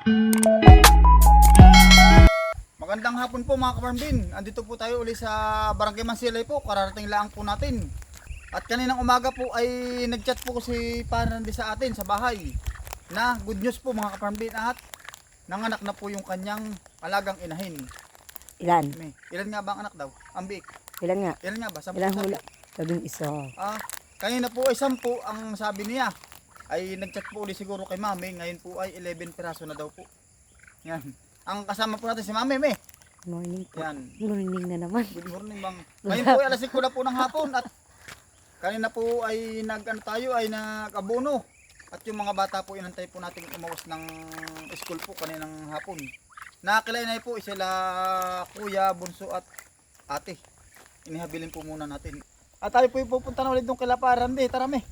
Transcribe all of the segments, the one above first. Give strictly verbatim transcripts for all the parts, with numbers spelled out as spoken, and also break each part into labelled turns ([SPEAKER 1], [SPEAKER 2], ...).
[SPEAKER 1] Magandang hapon po mga ka-farm bin. Andito po tayo uli sa Barangay Mansilay po. Kararating lang po natin. At kaninang umaga po ay nag-chat po si Panandi sa atin sa bahay. Na good news po mga ka-farm bin at nanganak na po yung kanyang alagang inahin.
[SPEAKER 2] Ilan?
[SPEAKER 1] May, ilan nga ba ang anak daw? Ang biik.
[SPEAKER 2] Ilan nga?
[SPEAKER 1] Ilan nga ba? Sampu
[SPEAKER 2] Ilan
[SPEAKER 1] sabi.
[SPEAKER 2] hula? Labing isa.
[SPEAKER 1] Ah, kanina po ay sampu ang sabi niya. Ay nag-chat po uli siguro kay Mami. Ngayon po ay eleven piraso na daw po. Yan. Ang kasama po natin si Mami, me.
[SPEAKER 2] Morning po.
[SPEAKER 1] Yan.
[SPEAKER 2] Morning na naman.
[SPEAKER 1] Good morning, bang. Ngayon po ay alas singko na po ng hapon at kanina po ay nag-ano tayo ay nag-abono. At yung mga bata po inantay po natin umawas ng school po kaninang hapon. Nakakilainay po sila kuya, bunso at ate. Inihabilin po muna natin. At tayo po pupunta na ulit doon kay Laparande. Tara, me.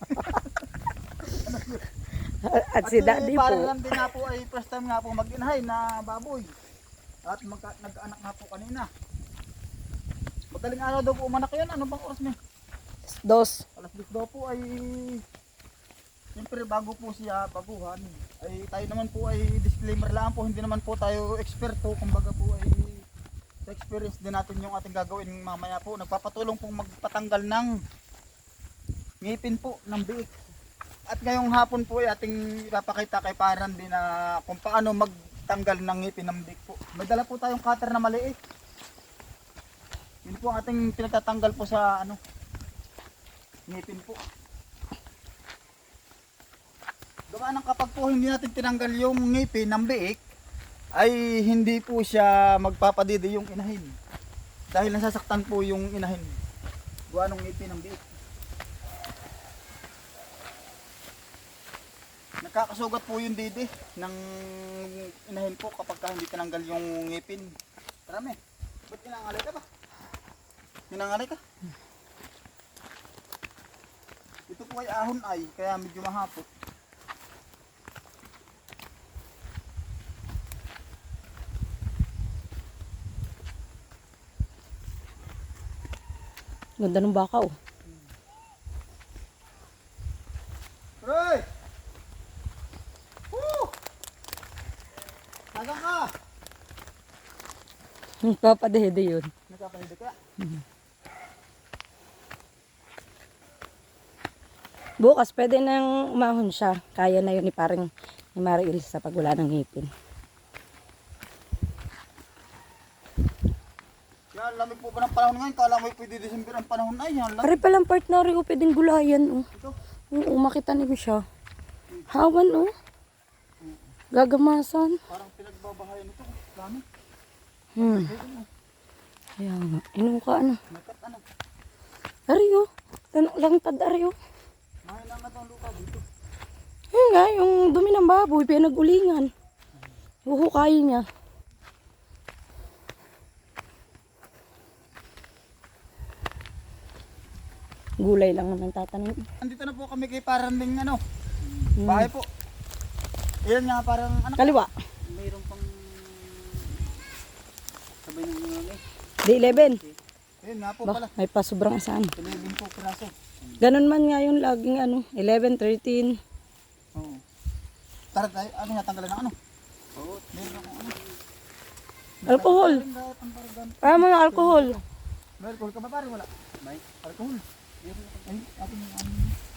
[SPEAKER 2] At si Daddy po.
[SPEAKER 1] Parang din nga po ay first time nga po mag-inahay na baboy. At magka, nag-anak nga po kanina. Madaling araw daw po umanak yan. Ano bang oras niya?
[SPEAKER 2] Dos.
[SPEAKER 1] Alas dos daw po ay siyempre bago po siya baguhan. Ay tayo naman po ay disclaimer lang po. Hindi naman po tayo eksperto. Kumbaga po ay sa experience din natin yung ating gagawin mamaya po. Nagpapatulong pong magpatanggal ng ngipin po ng biik. At ngayong hapon po ay ating ipapakita kay Parandi na kung paano magtanggal ng ngipin ng biik po. May dala po tayong cutter na maliit. Yun po ang ating pinagtatanggal po sa ano ngipin po. Gawa ng kapag po hindi natin tinanggal yung ngipin ng biik ay hindi po siya magpapadidi yung inahin. Dahil nasasaktan po yung inahin. Gawa ng ngipin ng biik. Nakakasugat po yung didi ng inahin po kapag ka hindi tinanggal yung ngipin. Marami. Ba't inangalay ka ba? Inangalay ka? Ito po ay ahon ay, kaya medyo mahapot.
[SPEAKER 2] Ganda ng baka oh.
[SPEAKER 1] Roy! Woo! Tagang ka!
[SPEAKER 2] Papadede yun.
[SPEAKER 1] Nagkapahida ka?
[SPEAKER 2] Bukas pwede nang umahon siya. Kaya na yun ni parang ni Mari Ilsa pag wala ng ngipin.
[SPEAKER 1] Yan, lamig po ba ng panahon ngayon? Kala mo pwede December ang panahon ay yan.
[SPEAKER 2] Pare palang partner oh, pwedeng gulayan oh.
[SPEAKER 1] Ito.
[SPEAKER 2] Oo, makita niyo siya. Hawan oh. Gagamasan.
[SPEAKER 1] Parang pinagbabahayan ito. Dami.
[SPEAKER 2] Hmm. Kaya nga. Inuka ano.
[SPEAKER 1] Nakat ano.
[SPEAKER 2] Ari oh. Tanong lang tad ari oh.
[SPEAKER 1] Mahal lang na itong lupa dito.
[SPEAKER 2] Yun nga, yung dumi ng baboy, pinagulingan. Huhukayin niya. Gulay lang naman tatanim.
[SPEAKER 1] Andito na po kami kay Paranding ano.
[SPEAKER 2] Hmm.
[SPEAKER 1] Bahay po. Yan nga parang ano.
[SPEAKER 2] Kaliwa.
[SPEAKER 1] Mayroon pang sabay ng mga eh.
[SPEAKER 2] Di eleven.
[SPEAKER 1] Ayun nga po
[SPEAKER 2] Ba,
[SPEAKER 1] pala.
[SPEAKER 2] may pa sobrang saan.
[SPEAKER 1] eleven po piraso.
[SPEAKER 2] Ganun man nga yung laging ano, eleven, thirteen.
[SPEAKER 1] Oo. Tara tayo, ano natanggalan ng ano? Oo. Meron akong ano.
[SPEAKER 2] Alcohol. Para mo yung alcohol.
[SPEAKER 1] May alcohol ka ba pare? Wala. May alcohol. Ay, atin yung ano.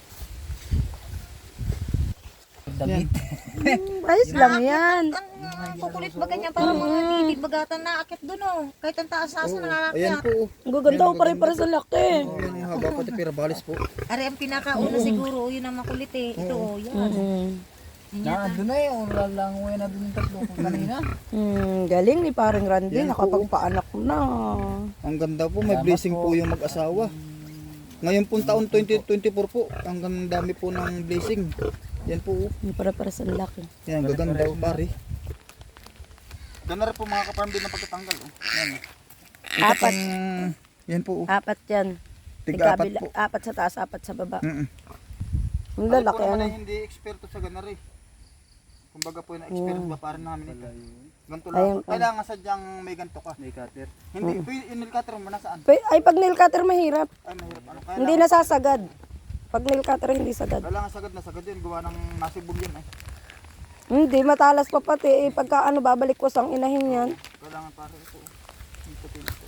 [SPEAKER 3] Damit.
[SPEAKER 2] Hmm, ayos lang yan.
[SPEAKER 4] Ang kukulit ba ganyan para mga titid bagatan na akit doon oh. Kahit ang taas-taas na
[SPEAKER 1] Ayan
[SPEAKER 4] nangakyat.
[SPEAKER 1] po.
[SPEAKER 2] Ang gaganda ko pa rin para sa laki.
[SPEAKER 1] Oh, yan yung haba pati pirabalis po.
[SPEAKER 4] Ari ang pinakauna siguro, yun ang makulit eh. Ito oh, yan.
[SPEAKER 2] Mm.
[SPEAKER 3] Na, doon na eh. Lalangoy na doon yung tatlo ko kanina.
[SPEAKER 2] Hmm, galing ni parang Randy,
[SPEAKER 1] Yan po.
[SPEAKER 2] nakapagpaanak na.
[SPEAKER 1] Ang ganda po, may blessing po yung mag-asawa. Ngayon po taon twenty twenty-four po, ang dami po ng blessing. Yan po.
[SPEAKER 2] Yung para para sa laki.
[SPEAKER 1] Yan, gaganda po pare. Ganda rin po mga kaparm din na pagkatanggal. Oh. Yan.
[SPEAKER 2] Apat.
[SPEAKER 1] Pang, yan po. Oh.
[SPEAKER 2] Apat yan.
[SPEAKER 1] Tig-apat
[SPEAKER 2] Tigabila-
[SPEAKER 1] po.
[SPEAKER 2] Apat sa taas, apat sa baba.
[SPEAKER 1] Mm-mm.
[SPEAKER 2] Ang
[SPEAKER 1] Ako
[SPEAKER 2] lalaki
[SPEAKER 1] po naman
[SPEAKER 2] ano.
[SPEAKER 1] ay hindi eksperto sa ganar eh. Kumbaga po na experience ba para namin ito. Ganito
[SPEAKER 2] Ayun,
[SPEAKER 1] lang. Kailangan sadyang may ganito ka.
[SPEAKER 3] May cutter.
[SPEAKER 1] Hindi, mm. Yung cutter mo nasaan?
[SPEAKER 2] Pe- Ay, pag nail cutter mahirap.
[SPEAKER 1] Ay, mahirap. Ano, kaya
[SPEAKER 2] Hindi nasasagad. Pag nail cutter hindi sagad.
[SPEAKER 1] Kailangan sagad na sagad yun. Gawa ng nasibog yun eh.
[SPEAKER 2] Hindi, matalas pa pati. Eh, pagka ano, babalik ko ang inahin yan.
[SPEAKER 1] Kailangan pare ito. Yung puti nito.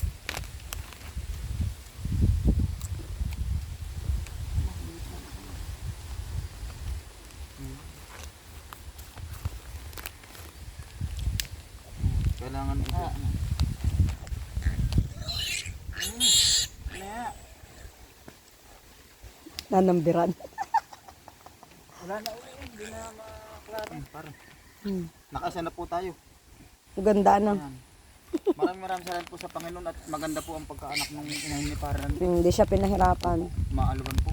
[SPEAKER 1] Kailangan ito. ano.
[SPEAKER 2] Nanambiran.
[SPEAKER 1] Wala na uli. Hindi na maklaro. Pare.
[SPEAKER 2] Hmm.
[SPEAKER 1] Nakasa na po tayo.
[SPEAKER 2] Ganda na.
[SPEAKER 1] Yan. Maraming maraming salamat po sa Panginoon at maganda po ang pagkaanak ng inahin ni Paran.
[SPEAKER 2] Hindi siya pinahirapan.
[SPEAKER 1] Maalugan po.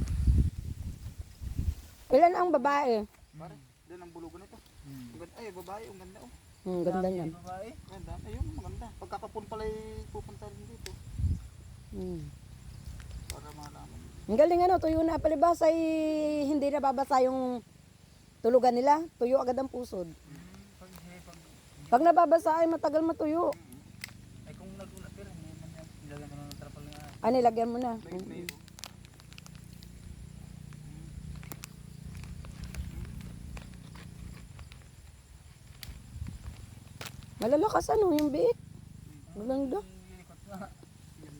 [SPEAKER 2] Ilan ang babae?
[SPEAKER 1] Pare, doon ang bulugan ito. Ang ganda, ay babae, ang ganda oh.
[SPEAKER 2] Hmm, ganda niyan.
[SPEAKER 1] Babae, ganda. Ayun, maganda. Pagkapapun pala pupunta rin dito.
[SPEAKER 2] Hmm.
[SPEAKER 1] Para malaman.
[SPEAKER 2] Ang galing ano, tuyo na palibas ay hindi na babasa yung tulugan nila. Tuyo agad ang pusod.
[SPEAKER 1] Pag, pag,
[SPEAKER 2] Pag nababasa ay matagal matuyo.
[SPEAKER 1] ay kung nagulat pero hindi man yan. Ilagyan mo ng trapal nga.
[SPEAKER 2] Ano, lagyan mo na.
[SPEAKER 1] May, may,
[SPEAKER 2] Malalakas ano, yung biik. Maganda.
[SPEAKER 1] ikot nga. Yan.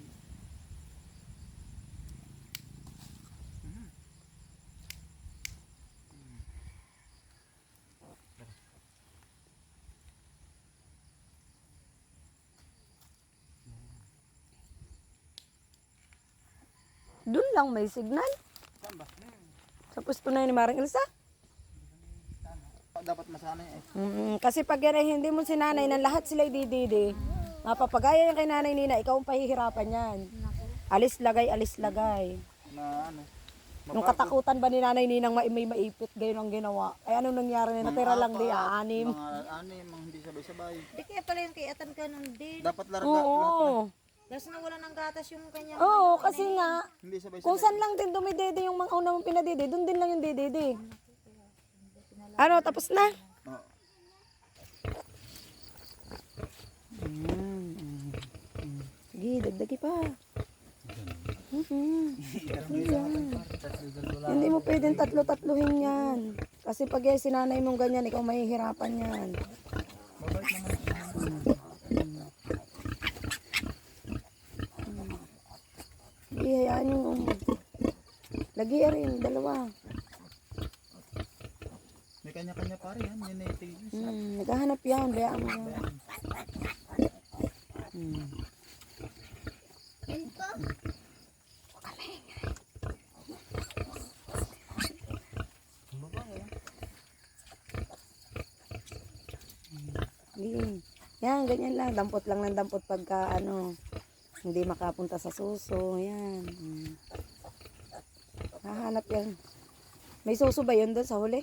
[SPEAKER 2] Doon lang may signal.
[SPEAKER 1] Saan ba?
[SPEAKER 2] Sa pwesto na yun ni Maring Elsa.
[SPEAKER 1] Dapat masanay eh.
[SPEAKER 2] Mm, kasi pag yan ay hindi mo sinanay na lahat sila dididi, mapapagaya yan kay nanay Nina, ikaw ang pahihirapan yan. Alis lagay, alis lagay.
[SPEAKER 1] Na ano.
[SPEAKER 2] Nung katakutan ba ni nanay Ninang ma- may maipit, gayon ang ginawa. Ay anong nangyari na natira lang di, ah, anim.
[SPEAKER 1] Mga anim, mga hindi sabay-sabay.
[SPEAKER 4] Di kaya pala yung kayatan ka nun din.
[SPEAKER 1] Dapat larga. lahat na.
[SPEAKER 2] Oo.
[SPEAKER 4] Tapos nawala ng gatas yung kanya.
[SPEAKER 2] Oo, kasi nga,
[SPEAKER 1] Hindi sabay-sabay.
[SPEAKER 2] kung saan lang din dumidede yung mga una mong pinadede, doon din lang yung didede. Ano, tapos na?
[SPEAKER 1] Oo.
[SPEAKER 2] Mm, mm. Sige, dagdagi pa. Mhm. Hindi mo pwedeng tatlo-tatluhin yan. Kasi pag yung sinanay mong ganyan, ikaw mahihirapan yan. Sige, hayaan yung lagi rin, dalawa.
[SPEAKER 1] May kanya-kanya pare yan. Yan ay tigis.
[SPEAKER 2] Hmm, naghahanap yan, bayaan mo yan. Hmm. Hindi. Yan, ganyan lang. Dampot lang ng dampot pagka ano, hindi makapunta sa suso. Yan. Hmm. Hahanap yan. May suso ba yun doon sa huli?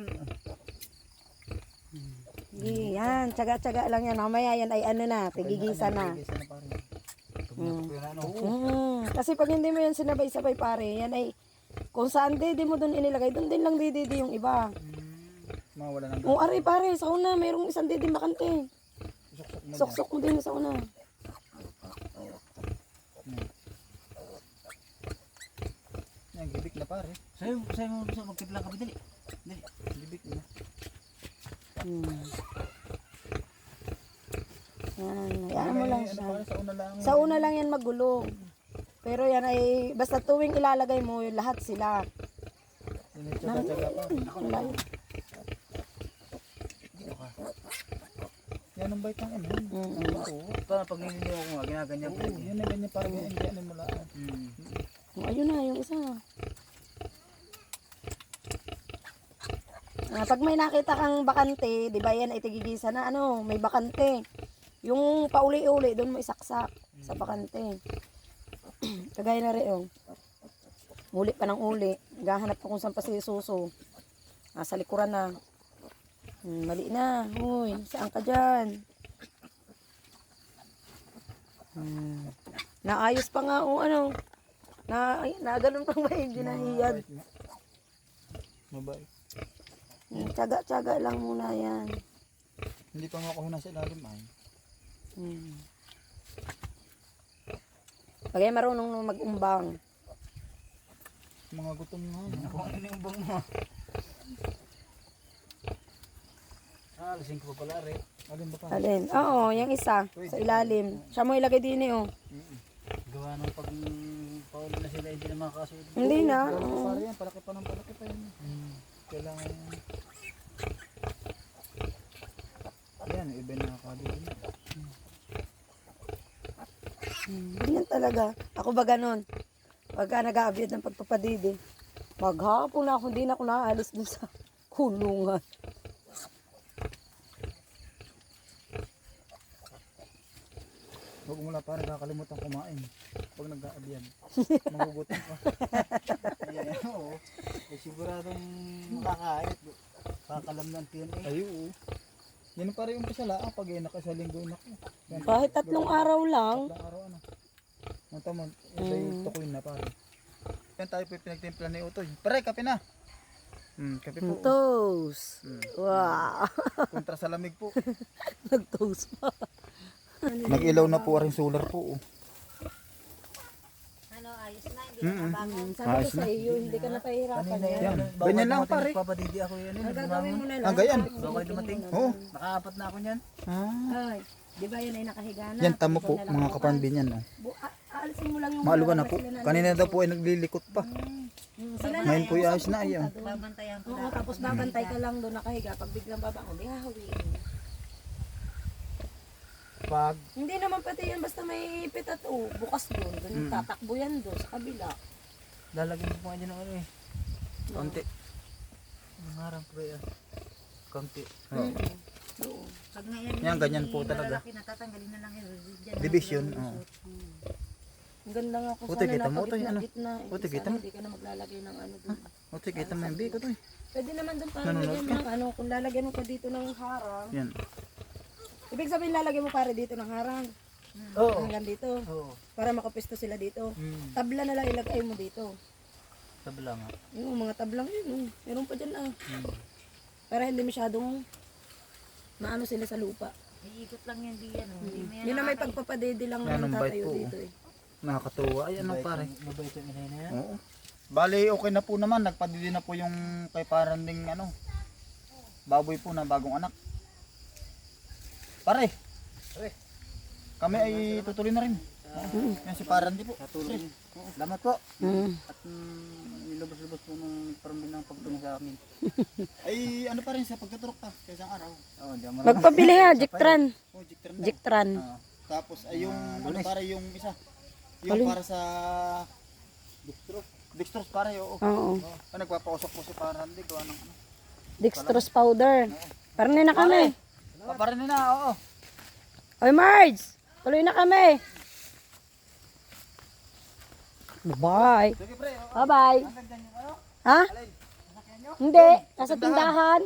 [SPEAKER 2] Hindi. Yan. Tsaga-tsaga lang yan. Mamaya yan ay ano na. Tigigisa na.
[SPEAKER 1] Tigisa na pare.
[SPEAKER 2] Hmm.
[SPEAKER 1] Yan ano.
[SPEAKER 2] Hmm. Kasi pag hindi mo yan sinabay-sabay pare, yan ay kung saan di, di mo doon inilagay, doon din lang di, di, di yung iba.
[SPEAKER 1] Mawala ng
[SPEAKER 2] O ari pare, sa una, mayroong isang di, di makante.
[SPEAKER 1] suksok mo.
[SPEAKER 2] Sok-sok mo din sa una.
[SPEAKER 1] Yan, gibik na pare.
[SPEAKER 3] Sa'yo, sa'yo mo gusto magtipla ka ba? Dali. Dali.
[SPEAKER 1] Gibik na.
[SPEAKER 2] Hmm. Yan, hayaan mo lang
[SPEAKER 1] Ano
[SPEAKER 2] siya.
[SPEAKER 1] pare, sa una lang.
[SPEAKER 2] Sa una lang yan magulo. Pero yan ay, basta tuwing ilalagay mo, yung lahat sila.
[SPEAKER 1] Yan ay tsaga-tsaga pa.
[SPEAKER 2] Ang layo.
[SPEAKER 1] Yan ang bait ng ano.
[SPEAKER 2] Mm.
[SPEAKER 1] Oo.
[SPEAKER 3] Parang pag nililiw ko nga, ginaganyan ko.
[SPEAKER 1] Oo, yan na ganyan parang ganyan. Ganyan mo lang.
[SPEAKER 3] Hmm.
[SPEAKER 2] O, ayun na, yung isa. Ah, pag may nakita kang bakante, di ba yan ay tigigisa na ano, may bakante. Yung pauli-uli, doon mo isaksak sa bakante. Kagaya na rin, oh. Uli pa ng uli. Naghahanap pa kung saan pa si Suso. Nasa likuran na. Hmm, mali na. Uy, saan ka dyan? Hmm. Naayos pa nga, oh, ano. Na, ay, na ganun pang may ginahiyad.
[SPEAKER 1] Mabait.
[SPEAKER 2] Hmm, tsaga-tsaga lang muna yan.
[SPEAKER 1] Hindi pa nga ako nasa ilalim ay.
[SPEAKER 2] Hmm. Pag ay marunong mag-umbang.
[SPEAKER 1] Mga gutom nga.
[SPEAKER 3] Kung ano yung bang mo. Alisin ko pa pala rin.
[SPEAKER 1] Alin ba pa?
[SPEAKER 2] Alin? Oo, yung isa. Sa ilalim. Siya mo ilagay din eh, oh.
[SPEAKER 3] Gawa nung pag pauli na sila hindi na makakasunod.
[SPEAKER 2] Hindi na.
[SPEAKER 1] Pare
[SPEAKER 2] Oo.
[SPEAKER 1] yan, palaki pa ng palaki pa yun.
[SPEAKER 3] Hmm.
[SPEAKER 1] Kailangan yan, iba na nakakalitin.
[SPEAKER 2] Hmm, ganyan talaga. Ako ba ganon? Pagka nag-aabyad ng pagpapadidi, maghapon na ako, hindi na ako naaalis dun sa kulungan.
[SPEAKER 1] Huwag mo lang parang kakalimutan kumain. Pag nag-aabiyan. Magugutom pa.
[SPEAKER 3] Ayan, oo. Eh, siguradong makakain. Kakalam ng tiyan eh.
[SPEAKER 1] Ay, oo. Yan pa rin yung pasala. Ah, pag yun sa linggo na ko. Yan,
[SPEAKER 2] Kahit tatlong araw lang.
[SPEAKER 1] tatlong araw ano. Ang tamang, isa yung tukoy na pare. Yan tayo po yung pinagtimpla ni Utoy. Pare, kape na. Hmm, kape po.
[SPEAKER 2] Toast.
[SPEAKER 1] Hmm.
[SPEAKER 2] Wow.
[SPEAKER 1] Kontra sa lamig po.
[SPEAKER 2] Nag-toast pa.
[SPEAKER 1] Nag-ilaw na po rin solar po. Oh.
[SPEAKER 4] Ano, ayos na, hindi
[SPEAKER 1] Mm-mm.
[SPEAKER 4] na bago.
[SPEAKER 2] Sabi ko sa iyo, hindi ka na pahirapan
[SPEAKER 3] Kanina
[SPEAKER 2] yan.
[SPEAKER 3] yan.
[SPEAKER 1] Yan. Ganyan lang, pare.
[SPEAKER 3] Papadidi ako yan.
[SPEAKER 2] Ang gagawin mo na lang.
[SPEAKER 1] Ah, ganyan?
[SPEAKER 3] Bago kayo dumating.
[SPEAKER 1] Oo.
[SPEAKER 3] Nakaapat na ako niyan.
[SPEAKER 1] Ah.
[SPEAKER 2] Ay, di ba yan ay nakahiga na?
[SPEAKER 1] Yan, tamo po,
[SPEAKER 2] Ikaw na lang
[SPEAKER 1] mga
[SPEAKER 2] bukas.
[SPEAKER 1] kaparambin yan. Oh.
[SPEAKER 2] Bu- a- Aalisin mo lang yung
[SPEAKER 1] Maalugan na
[SPEAKER 2] mga
[SPEAKER 1] po.
[SPEAKER 2] sila na-
[SPEAKER 1] Kanina daw po ay naglilikot pa.
[SPEAKER 2] Hmm, sila na
[SPEAKER 1] Ngayon
[SPEAKER 2] yan,
[SPEAKER 1] po yung ayos na
[SPEAKER 2] pupunta
[SPEAKER 1] ayun.
[SPEAKER 2] doon.
[SPEAKER 4] Babantayan ko
[SPEAKER 2] Oo, tapos babantay ka lang doon nakahiga. Pag biglang babangon, di hahawiin.
[SPEAKER 1] Pag
[SPEAKER 2] Hindi naman pati yan, basta may pitat o bukas doon. Doon yung
[SPEAKER 1] Mm.
[SPEAKER 2] tatakbo yan doon sa kabila.
[SPEAKER 3] Lalagyan ko pa nga dyan ng ano eh.
[SPEAKER 1] konti.
[SPEAKER 3] Ang harang ko yan. Konti.
[SPEAKER 1] Oh.
[SPEAKER 2] Mm. Doon.
[SPEAKER 4] Pag ngayon,
[SPEAKER 1] Yan, ganyan po talaga.
[SPEAKER 4] Malalaki na tatanggalin na lang yun. Diyan,
[SPEAKER 1] Division. Oh.
[SPEAKER 2] Ang ganda nga kung
[SPEAKER 1] Puti,
[SPEAKER 2] sana
[SPEAKER 1] kita mo,
[SPEAKER 2] nasa
[SPEAKER 1] Toy, ano?
[SPEAKER 2] gitna-gitna. Eh,
[SPEAKER 1] Puti,
[SPEAKER 2] sana
[SPEAKER 1] kita mo.
[SPEAKER 2] Hindi ka na maglalagay ng ano doon.
[SPEAKER 1] O, sige, kita mo yung biko to eh.
[SPEAKER 2] Pwede naman doon para
[SPEAKER 1] Nanonood
[SPEAKER 2] lagyan
[SPEAKER 1] ka?
[SPEAKER 2] ng ano, kung lalagyan mo pa dito ng harang.
[SPEAKER 1] Yan.
[SPEAKER 2] Ibig sabihin lalagyan mo pare dito ng harang.
[SPEAKER 3] Oo.
[SPEAKER 2] Hanggang dito.
[SPEAKER 3] Oo.
[SPEAKER 2] Para makapisto sila dito.
[SPEAKER 3] Hmm.
[SPEAKER 2] Tabla na lang ilagay mo dito.
[SPEAKER 3] Tabla nga.
[SPEAKER 2] Yung mga tablang yun. Oh. Meron pa dyan ah.
[SPEAKER 3] Hmm.
[SPEAKER 2] Para hindi masyadong maano sila sa lupa.
[SPEAKER 4] Iikot lang yan diyan. Oh. Hindi mo yan
[SPEAKER 2] Yun na may
[SPEAKER 4] nakaka-
[SPEAKER 2] pagpapadede lang
[SPEAKER 1] Yan,
[SPEAKER 2] ng
[SPEAKER 1] ang bait
[SPEAKER 2] tatayo
[SPEAKER 1] po,
[SPEAKER 2] dito eh.
[SPEAKER 1] Nakakatuwa. Ay, ano pare.
[SPEAKER 3] Mabait yung inay na yan.
[SPEAKER 1] Oo. Bali, okay na po naman. Nagpadili na po yung kay paranding ano. Baboy po na bagong anak. Pare.
[SPEAKER 3] Pare.
[SPEAKER 1] Kami ay tutuloy na rin. Oo. Yan si Parandi po.
[SPEAKER 3] Katulong niyo. Salamat po.
[SPEAKER 2] Mm.
[SPEAKER 3] At mm, nilabas-labas po ng parang ng pagtulong sa amin.
[SPEAKER 1] Ay, ano pa rin sa pagtuturok ta. Sa isang araw.
[SPEAKER 3] Oo, di mo
[SPEAKER 2] Magpabili ha, Jiktran.
[SPEAKER 1] Oh, jikter na.
[SPEAKER 2] Jiktran.
[SPEAKER 1] Ah, tapos ay yung
[SPEAKER 3] Ah,
[SPEAKER 1] ano
[SPEAKER 3] lunes.
[SPEAKER 1] para yung isa. Yung
[SPEAKER 2] Alin?
[SPEAKER 1] para sa dextrose. Dextrose pare, oo.
[SPEAKER 2] Oo.
[SPEAKER 1] Ah, nagpapausok po si Parandi gawa ng ano.
[SPEAKER 2] Dextrose powder. Parang na kami.
[SPEAKER 1] Ah, pare na, oo.
[SPEAKER 2] Oy Marge, tuloy na kami. Bye.
[SPEAKER 1] Sige pre, oo.
[SPEAKER 2] Bye-bye.
[SPEAKER 1] Hanggang dyan yung ano.
[SPEAKER 2] Ha?
[SPEAKER 1] Alin? Sasakyan nyo?
[SPEAKER 2] Hindi, nasa tindahan.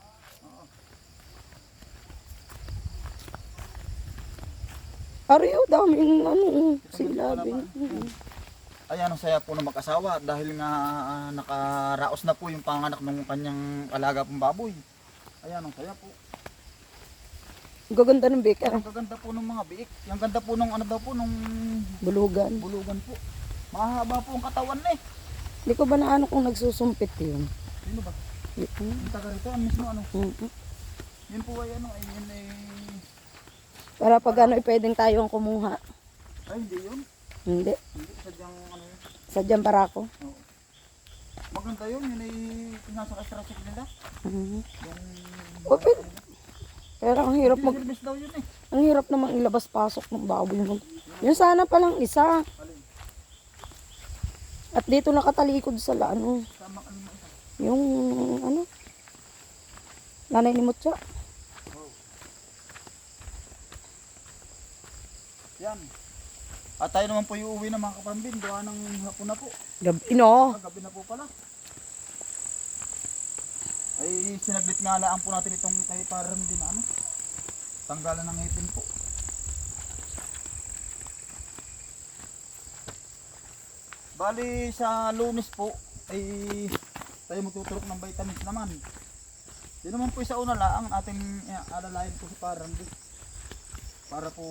[SPEAKER 2] Ariyo, daming ano, silabing.
[SPEAKER 1] Ayan, ang saya po ng mag-asawa dahil nga ah, nakaraos na po yung panganak ng kanyang alaga pong baboy. Ayan, ang saya po.
[SPEAKER 2] Gaganda ng bika.
[SPEAKER 1] Ang gaganda po ng mga biik. Ang ganda po nung ano daw po, nung
[SPEAKER 2] Bulugan.
[SPEAKER 1] bulugan po. Mahaba po ang katawan eh.
[SPEAKER 2] Hindi ko ba na ano kung nagsusumpit yun?
[SPEAKER 1] Sino ba?
[SPEAKER 2] Mm,
[SPEAKER 1] Yung taga rito, ang mismo ano.
[SPEAKER 2] mm.
[SPEAKER 1] Yun po ay ano, ay yun ay...
[SPEAKER 2] Para pag ano, eh, pwedeng tayo ang kumuha.
[SPEAKER 1] Ay, hindi yun.
[SPEAKER 2] Hindi.
[SPEAKER 1] Hindi, sadyang ano yun.
[SPEAKER 2] Sadyang para ako.
[SPEAKER 1] Oo. Maganda yun, yun ay nasa kastrasik nila.
[SPEAKER 2] Mhm.
[SPEAKER 1] Yung...
[SPEAKER 2] O, pero, pero ang hirap mag...
[SPEAKER 1] Service daw yun eh.
[SPEAKER 2] Ang hirap namang ilabas-pasok ng baboy. Yun sana palang isa.
[SPEAKER 1] Alin?
[SPEAKER 2] At dito nakatalikod sa la- ano,
[SPEAKER 1] Tama ano mo isa.
[SPEAKER 2] yung ano, nanay ni Mutya.
[SPEAKER 1] Yan. At tayo naman po yung uwi ng mga kapambin. Gawa ng hapon na po.
[SPEAKER 2] Gabi, no?
[SPEAKER 1] Ah, gabi na po pala. Ay sinaglit nga laan po natin itong kay parang din na ano. Tanggalan ng ngipin po. Bali sa Lunes po ay tayo magtuturok ng vitamins naman. Di naman po sa una laang ating eh, alalayan po si parang din. Para po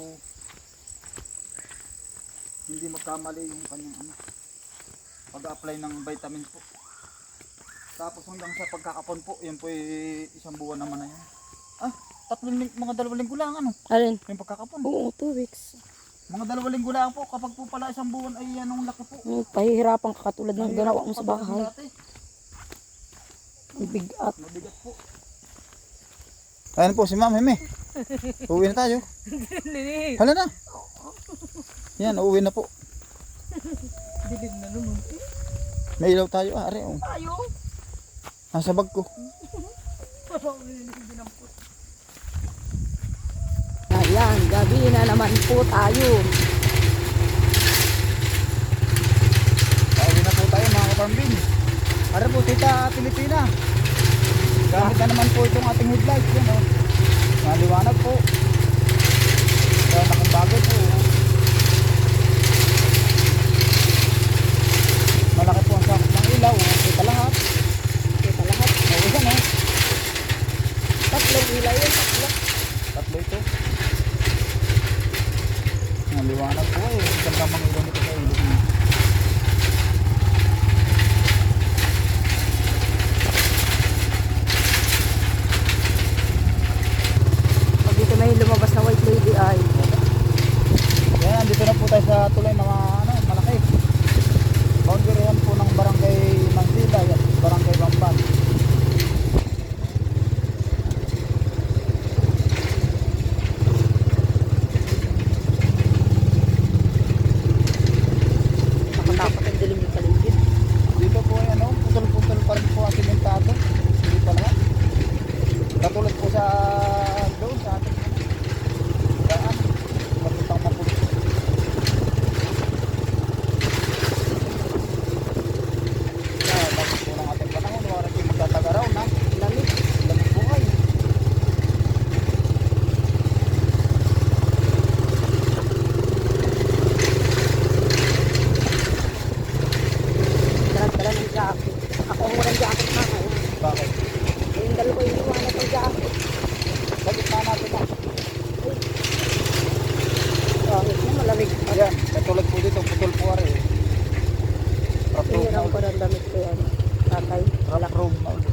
[SPEAKER 1] hindi magkamali yung kanyang ano pag-apply ng vitamins po. Tapos hanggang sa pagkakapon po, yan po ay isang buwan naman na yan. Ah, tatlong ling- mga dalawang linggo lang ano.
[SPEAKER 2] Alin?
[SPEAKER 1] Yung pagkakapon.
[SPEAKER 2] Oo, two weeks.
[SPEAKER 1] Mga dalawang linggo lang po. Kapag po pala isang buwan ay anong laki po.
[SPEAKER 2] Hmm, pahihirapan ka katulad ng
[SPEAKER 1] Mahirap
[SPEAKER 2] ginawa
[SPEAKER 1] po
[SPEAKER 2] mo sa
[SPEAKER 1] katulad ng
[SPEAKER 2] bahay.
[SPEAKER 1] dati.
[SPEAKER 2] Ang bigat.
[SPEAKER 1] Mabigat po. Ayan po si Ma'am Heme. Uwi na tayo. Hala na. Yan, uuwi na po.
[SPEAKER 4] Dilim na naman.
[SPEAKER 1] May ilaw tayo. Ah, are, oh.
[SPEAKER 4] Tayo.
[SPEAKER 1] Nasa bag ko.
[SPEAKER 2] Ayan, gabi na naman po tayo.
[SPEAKER 1] Pauwi na po tayo mga kaparmbin. Are po, Tita Pilipina. Gamit na naman po itong ating headlight. Yan, oh. Maliwanag po. Kaya nakumbago po. Oh. Malaki po ang sakot ng ilaw. Oh. Kita lahat.
[SPEAKER 2] Ito lahat.
[SPEAKER 1] Oo, yan, oh.
[SPEAKER 2] Tatlong ilaw yun, tatlo.
[SPEAKER 1] Tatlo ito. Maliwanag po eh. Ganda mga ilaw nito sa ilog niya.
[SPEAKER 2] Pag dito may lumabas na white lady ay
[SPEAKER 1] Yan, dito na po tayo sa tulay na mga, ano, malaki. Boundary yan po ng barangay Mansila at barangay Bamban.
[SPEAKER 2] nakatakot ang dilim ng paligid.
[SPEAKER 1] Dito po ay ano, putol-putol pa rin po ang simentado. Hindi pa lahat. Katulad po sa doon sa ating daan. Matutang mapulot. Kaya tapos po ng ating panahon, wala rin magtatagaraw na.
[SPEAKER 2] Lamig.
[SPEAKER 1] Lamig po kayo.
[SPEAKER 2] Dalag-dala ng jacket. Ako ang walang jacket na ako.
[SPEAKER 1] Bakit?
[SPEAKER 2] Eh, yung dalawa yung iwanan ng jacket.
[SPEAKER 1] Bakit na natin na?
[SPEAKER 2] Bakit na malamig pa.
[SPEAKER 1] Ayan, katulad po dito, putol po rin. Rough road na
[SPEAKER 2] Hirang ko
[SPEAKER 1] ulit.
[SPEAKER 2] ng damit ko yan. Tatay.
[SPEAKER 1] Rough road na ulit.